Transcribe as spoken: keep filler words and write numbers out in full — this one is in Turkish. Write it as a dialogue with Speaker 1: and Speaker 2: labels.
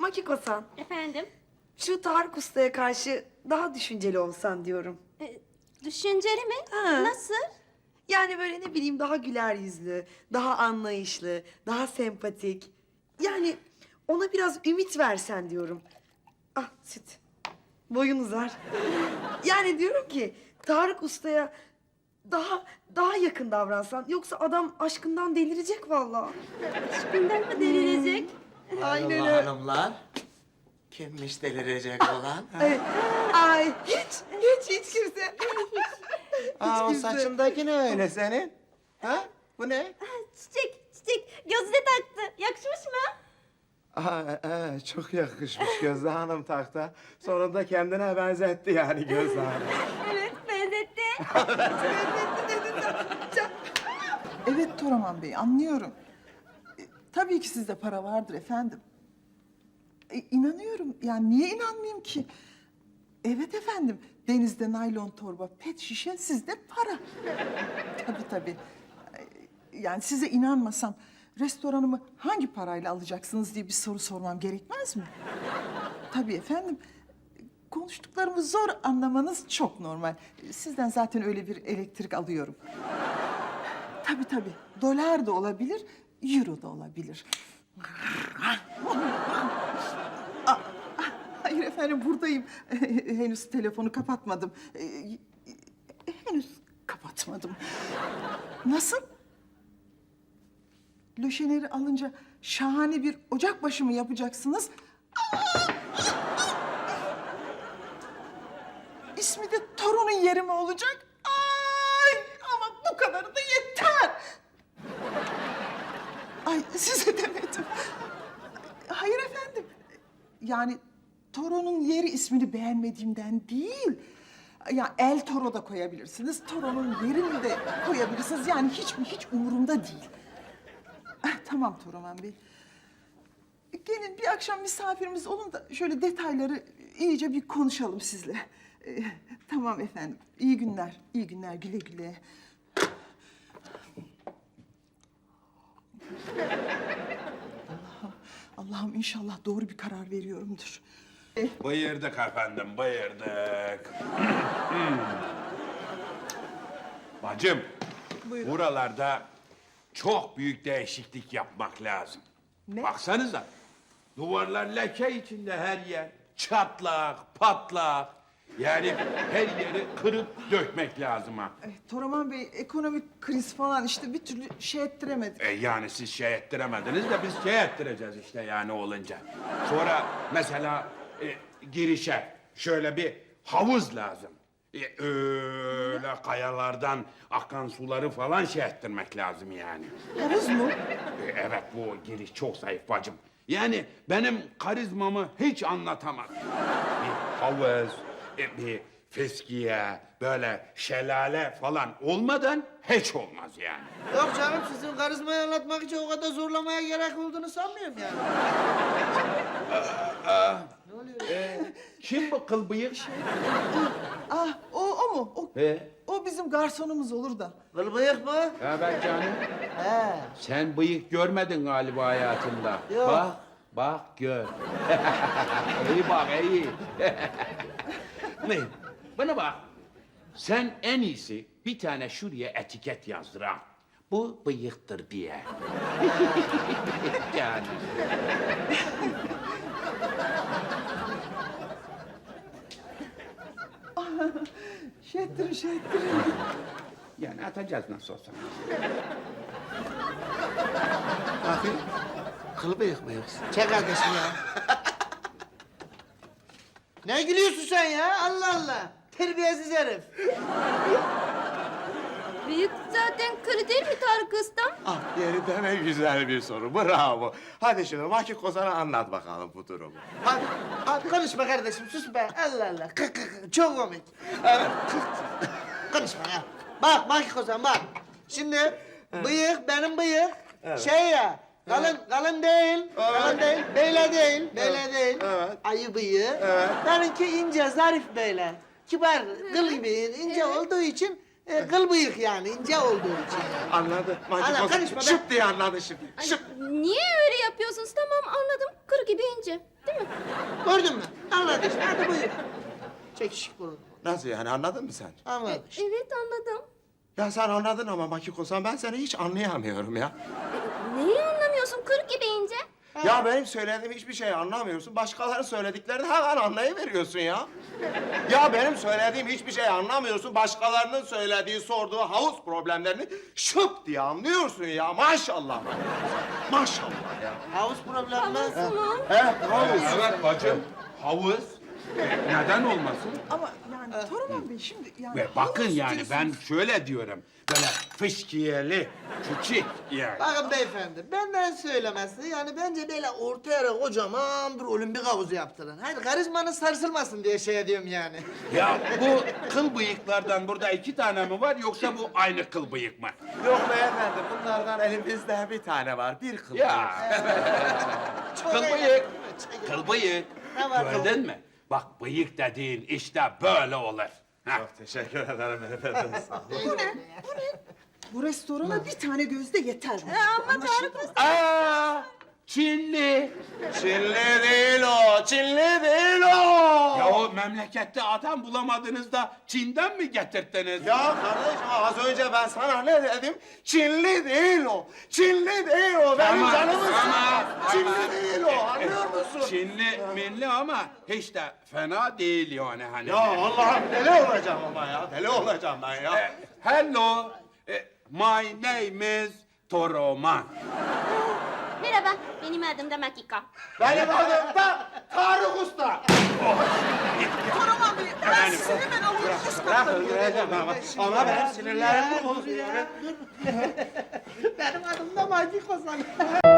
Speaker 1: Makiko-san,
Speaker 2: Efendim?
Speaker 1: şu Tarık Usta'ya karşı daha düşünceli olsan diyorum.
Speaker 2: E, düşünceli mi?
Speaker 1: Ha.
Speaker 2: Nasıl?
Speaker 1: Yani böyle ne bileyim daha güler yüzlü, daha anlayışlı, daha sempatik. Yani ona biraz ümit versen diyorum. Ah süt. Boyun uzar. Yani diyorum ki Tarık Usta'ya daha daha yakın davransan. Yoksa adam aşkından delirecek vallahi.
Speaker 2: Aşkından mı delirecek?
Speaker 1: Aynen
Speaker 3: Hayrola
Speaker 1: öyle.
Speaker 3: hanımlar? Kimmiş delirecek olan?
Speaker 1: Ay, ay hiç hiç hiç kimse.
Speaker 3: Aa, o
Speaker 1: kimse.
Speaker 3: saçındaki ne öyle senin? Ha? Bu ne?
Speaker 2: Çiçek, çiçek. Gözüne taktı. Yakışmış mı?
Speaker 3: Aa, ee, çok yakışmış Gözde Hanım takta. Sonunda kendine benzetti yani Gözde Hanım.
Speaker 2: Evet, benzetti.
Speaker 4: Evet Toraman Bey, anlıyorum. E, tabii ki sizde para vardır efendim. E, inanıyorum. Yani niye inanmayayım ki? Evet efendim. Denizde naylon torba, pet şişe, sizde para. Tabii tabii. E, yani size inanmasam restoranımı hangi parayla alacaksınız diye bir soru sormam gerekmez mi? Tabii efendim. Konuştuklarımı zor anlamanız çok normal. Sizden zaten öyle bir elektrik alıyorum. Tabii tabii. Dolar da olabilir, euro da olabilir. Aa, hayır efendim buradayım. Henüz telefonu kapatmadım. Ee, Henüz kapatmadım. Nasıl? Löşeneri alınca şahane bir ocakbaşı mı yapacaksınız? İsmi de torunun yeri mi olacak? Ay ama bu kadarı da yeter. Ay size demedim. Hayır efendim. Yani Toro'nun yeri ismini beğenmediğimden değil. Ya El Toro da koyabilirsiniz. Toro'nun yerini de koyabilirsiniz. Yani hiç mi hiç umurumda değil. Ah, tamam Toroman Bey. Gelin bir akşam misafirimiz olun da şöyle detayları iyice bir konuşalım sizle. Ee, tamam efendim. İyi günler. İyi günler. Güle güle. Allah'ım, Allah'ım inşallah doğru bir karar veriyorumdur.
Speaker 5: Buyurduk efendim, buyurduk. Bacım, buralarda çok büyük değişiklik yapmak lazım.
Speaker 4: Ne?
Speaker 5: Baksanıza, duvarlar leke içinde her yer. Çatlak, patlak. Yani her yeri kırıp dökmek lazım ha.
Speaker 4: Ay, Toraman Bey ekonomik kriz falan işte bir türlü şey ettiremedik.
Speaker 5: E yani siz şey ettiremediniz de biz şey ettireceğiz işte yani olunca. Sonra mesela e, girişe şöyle bir havuz lazım. E, öyle kayalardan akan suları falan şey ettirmek lazım yani.
Speaker 4: Havuz mu?
Speaker 5: E, evet bu giriş çok zayıf bacım. Yani benim karizmamı hiç anlatamaz. Bir havuz, e, bir feskiye, böyle şelale falan olmadan hiç olmaz yani.
Speaker 3: Yok canım, sizin karizmayı anlatmak için o kadar zorlamaya gerek olduğunu sanmıyorum yani. Ne oluyor?
Speaker 5: E, kim bu kıl bıyık?
Speaker 4: Ah o, o mu? O,
Speaker 5: He?
Speaker 4: o bizim garsonumuz olur da.
Speaker 3: Kıl bıyık mı?
Speaker 5: Evet canım.
Speaker 3: He.
Speaker 5: Sen bıyık görmedin galiba hayatında.
Speaker 3: Yok.
Speaker 5: Bak, bak gör. iyi bak, iyi. ne? Bana bak. Sen en iyisi bir tane şuraya etiket yazdır ha. Bu bıyıktır diye. yani.
Speaker 4: Şey ettirin, şey ettirin.
Speaker 5: Yani atacağız nasıl olsa.
Speaker 3: Bakayım. Kıl bıyık mı yoksa? Çek kardeşim ya. Ne gülüyorsun sen ya? Allah Allah. Terbiyesiz herif.
Speaker 2: Büyük zaten kırı değil mi Tarık Ustam?
Speaker 6: Ah yerinde ne güzel bir soru. Bravo. Hadi şimdi Makiko sana anlat bakalım bu durumu.
Speaker 3: Hadi, hadi konuşma kardeşim, sus be. Allah Allah. Kık kık kık. Çok komik. Evet. Konuşma ya. Bak, bak Kozan bak. Şimdi bıyık benim bıyık. Şey ya, kalın kalın değil, kalın değil, böyle değil, böyle değil.
Speaker 6: Evet.
Speaker 3: Ayı bıyığı.
Speaker 6: Evet.
Speaker 3: Benimki ince, zarif böyle. Kibar, kıl gibi ince olduğu için e, kıl bıyık yani, ince olduğu için.
Speaker 6: Anladı. Makiko
Speaker 3: Ana, karışma be.
Speaker 6: şıp diye anladı şimdi.
Speaker 2: Ay,
Speaker 6: Şıp.
Speaker 2: niye öyle yapıyorsunuz? Tamam anladım. Kır gibi ince. Değil mi?
Speaker 3: Gördün mü? Anladın işte. Hadi buyur. Çek şık bunu.
Speaker 6: Nasıl yani anladın mı sen?
Speaker 3: Anladın işte.
Speaker 2: Evet anladım.
Speaker 6: Ya sen anladın ama Makiko-san ben seni hiç anlayamıyorum ya.
Speaker 2: Neyi anlamıyorsun kırk gibi ince?
Speaker 6: Ya benim söylediğim hiçbir şey anlamıyorsun. Başkaları söylediklerini hemen anlayıveriyorsun ya. Ya benim söylediğim hiçbir şey anlamıyorsun. Başkalarının söylediği, sorduğu havuz problemlerini şıp diye anlıyorsun ya. Maşallah. Maşallah ya.
Speaker 3: Havuz problemi mi?
Speaker 2: Tamam.
Speaker 6: He, havuz.
Speaker 5: Evet bacım, havuz. E, neden olmasın?
Speaker 4: Ama yani Toraman Bey şimdi yani...
Speaker 5: Ve bakın
Speaker 4: havuz
Speaker 5: yani
Speaker 4: diyorsunuz.
Speaker 5: ben şöyle diyorum. Böyle fışkiyeli, küçük yani.
Speaker 3: Bakın beyefendi, benden söylemesi yani bence böyle orta yere kocaman bir olimpik havuzu yaptırın. Hayır, karizmanız sarsılmasın diye şey ediyorum yani.
Speaker 5: Ya bu kıl bıyıklardan burada iki tane mi var yoksa bu aynı kıl bıyık mı?
Speaker 6: Yok beyefendi bunlardan elimizde bir tane var. Bir kıl.
Speaker 5: Ya.
Speaker 3: Çok
Speaker 5: Kıl
Speaker 3: eğlenceli.
Speaker 5: bıyık.
Speaker 3: Çekil.
Speaker 5: Kıl bıyık.
Speaker 3: Ne var kıl
Speaker 5: Gördün mü? Bak bıyık dediğin işte böyle olur. Ha.
Speaker 6: Çok teşekkür ederim beyefendi. Sağ olun.
Speaker 4: Bu restorana bir tane gözde yeter.
Speaker 2: Ama Tarık
Speaker 5: Aa, Çinli.
Speaker 6: Çinli değil o, Çinli değil o.
Speaker 5: Ya o memlekette adam bulamadınız da Çin'den mi getirttiniz?
Speaker 6: Ya kardeşim az önce ben sana ne dedim? Çinli değil o. Çinli değil o. Benim
Speaker 5: Ama-
Speaker 6: canımı
Speaker 5: ama-
Speaker 6: sıkma. Çinli değil o. Anlıyor musun?
Speaker 5: Çinli minli ama hiç de fena değil yani hani.
Speaker 6: Ya Allah'ım deli olacağım ama ya. Deli olacağım ben ya.
Speaker 5: Eh, hello, eh, my name is Toroman.
Speaker 2: Merhaba, benim adım da Makiko.
Speaker 6: Benim adım da Tarık Usta.
Speaker 4: Toraman Bey ben
Speaker 5: Efendim?
Speaker 4: sizi hemen alayım. Üst
Speaker 6: Bırak
Speaker 4: kattan
Speaker 6: öldüreceğim ama. Ama benim sinirlerim bozuyor.
Speaker 3: Benim adım da Macik Ozan.